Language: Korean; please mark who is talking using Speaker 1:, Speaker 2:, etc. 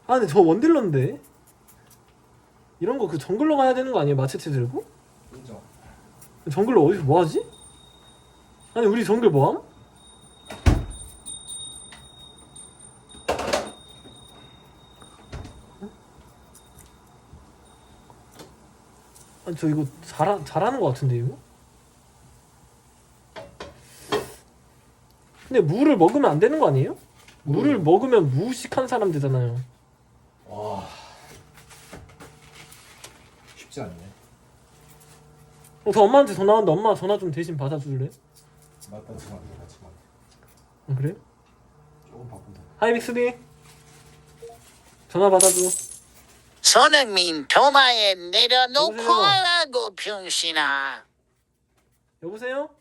Speaker 1: 아 근데 저 원딜러인데 이런 거 그 정글러 가야 되는 거 아니에요? 마체테 들고?
Speaker 2: 인정.
Speaker 1: 정글러 어디서 뭐하지? 아니 우리 정글 뭐함? 아니 저 이거 잘하는 거 같은데 이거? 근데 물을 먹으면 안 되는 거 아니에요? 물을 먹으면 무식한 사람 되잖아요.
Speaker 2: 와. 쉽지 않네.
Speaker 1: 저 엄마한테 전화 왔는데 엄마 전화 좀 대신 받아줄래?
Speaker 2: 맞다 지금 안 돼. 나 지금 안 돼.
Speaker 1: 그래?
Speaker 2: 조금 바쁜데.
Speaker 1: 하이 빅스비 전화 받아줘.
Speaker 3: 손흥민 도마에 내려놓고
Speaker 1: 여보세요?
Speaker 3: 하라고 병신아.
Speaker 1: 여보세요?